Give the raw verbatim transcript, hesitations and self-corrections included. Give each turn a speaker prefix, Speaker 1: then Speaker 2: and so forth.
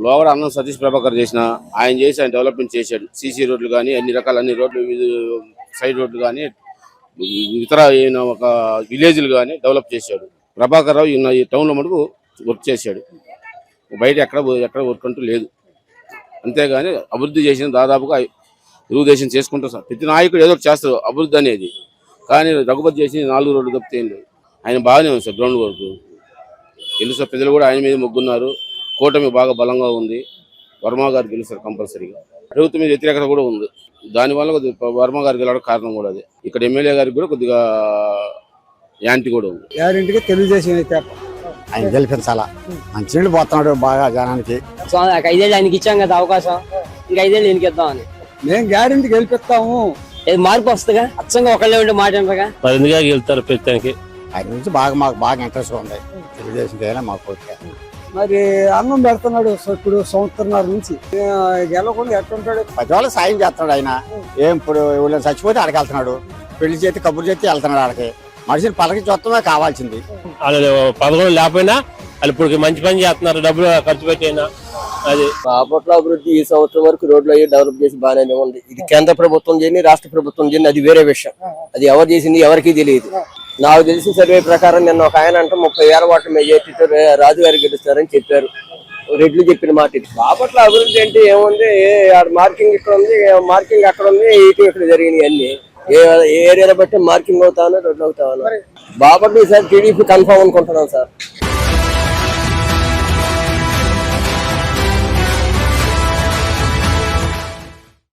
Speaker 1: లోగడ అన్నం సతీష్ ప్రభాకర్ చేసిన ఆయన చేసి ఆయన డెవలప్మెంట్ చేశాడు. సీసీ రోడ్లు కానీ అన్ని రకాల అన్ని రోడ్లు సైడ్ రోడ్లు కానీ ఇతర ఒక విలేజ్లు కానీ డెవలప్ చేశాడు. ప్రభాకర్ రావు ఈ టౌన్లో మటుకు వర్క్ చేశాడు. బయట ఎక్కడ ఎక్కడ వర్క్ అంటూ లేదు. అంతేగాని అభివృద్ధి చేసిన దాదాపుగా తెలుగుదేశం చేసుకుంటారు సార్. ప్రతి నాయకుడు ఏదో ఒకటి చేస్తారు అభివృద్ధి అనేది. కానీ రఘుపతి చేసి నాలుగు రోడ్లు తప్పితే ఏం లేదు. ఆయన బాగానే ఉంది సార్ గ్రౌండ్ వర్క్. తెలుసు ప్రజలు కూడా ఆయన మీద మొగ్గున్నారు. కూటమి బాగా బలంగా ఉంది. వర్మ గారు గెలుస్తారు కంపల్సరీగా. ప్రభుత్వం మీద వ్యతిరేకత కూడా ఉంది. దానివల్ల కొద్దిగా వర్మ గారు గెలవడం కారణం కూడా అది. ఇక్కడ ఎమ్మెల్యే గారికి కూడా కొద్దిగా యాంటీ కూడా ఉంది.
Speaker 2: గ్యారెంటీగా తెలుగుదేశం అయితే ఆయన గెలిపించాలా. మంచినీళ్ళు పోతున్నాడు బాగా జనానికి.
Speaker 3: ఐదేళ్ళు ఆయనకి ఇచ్చాం కదా అవకాశం, ఇంకా ఐదేళ్ళు ఈయనకి ఇద్దామని.
Speaker 2: మేము గ్యారెంటీ గెలిపిస్తాము.
Speaker 3: మార్పు వస్తుందిగా, అచ్చంగా ఒకళ్ళే ఉంటే మాట అంటగా
Speaker 4: వెళ్తారు ప్రస్తుతానికి.
Speaker 2: ఆయన నుంచి బాగా మాకు బాగా ఇంట్రెస్ట్ ఉంది. తెలుగుదేశం మాకు మరి అన్నం పెడుతున్నాడు ఇప్పుడు సంవత్సరంన్నర నుంచి. గెలవకుండా ఎట్లుంటాడు? పది వాళ్ళకి సాయం చేస్తున్నాడు ఆయన. ఏం ఇప్పుడు చచ్చిపోతే ఆడికి వెళ్తున్నాడు. పెళ్లి చేతి కబుర్లు చేతి వెళ్తున్నాడు ఆడికి. మనిషిని పలకి చూస్తమే కావాల్సింది.
Speaker 4: వాళ్ళు పదకొండు లేకపోయినా వాళ్ళు ఇప్పుడు మంచి పని చేస్తున్నారు, డబ్బులు ఖర్చు పెట్టైనా. అది
Speaker 5: బాపట్ల అభివృద్ధి ఈ సంవత్సరం వరకు రోడ్లు అయ్యి డెవలప్ చేసి బాగానే ఉంది. ఇది కేంద్ర ప్రభుత్వం చేయని రాష్ట్ర ప్రభుత్వం చేయని అది వేరే విషయం. అది ఎవరు చేసింది ఎవరికి తెలియదు. నాకు తెలిసిన సర్వే ప్రకారం నిన్న ఒక ఆయన అంటే ముప్పై వేల ఓట్ల మెజార్టీతో రాజు గారు గెలుస్తారని చెప్పారు. రెడ్లు చెప్పిన మాట ఇది. బాపట్ల అభివృద్ధి అంటే ఏముంది, మార్కింగ్ ఇక్కడ ఉంది, మార్కింగ్ అక్కడ ఉంది, ఈటీ ఇక్కడ జరిగినాయి అన్ని. ఏ ఏరియాలో బట్టి మార్కింగ్ అవుతాను, రోడ్లు అవుతాను. బాపట్ల ఈసారి టీడీపీ కన్ఫర్మ్ అనుకుంటున్నాం సార్.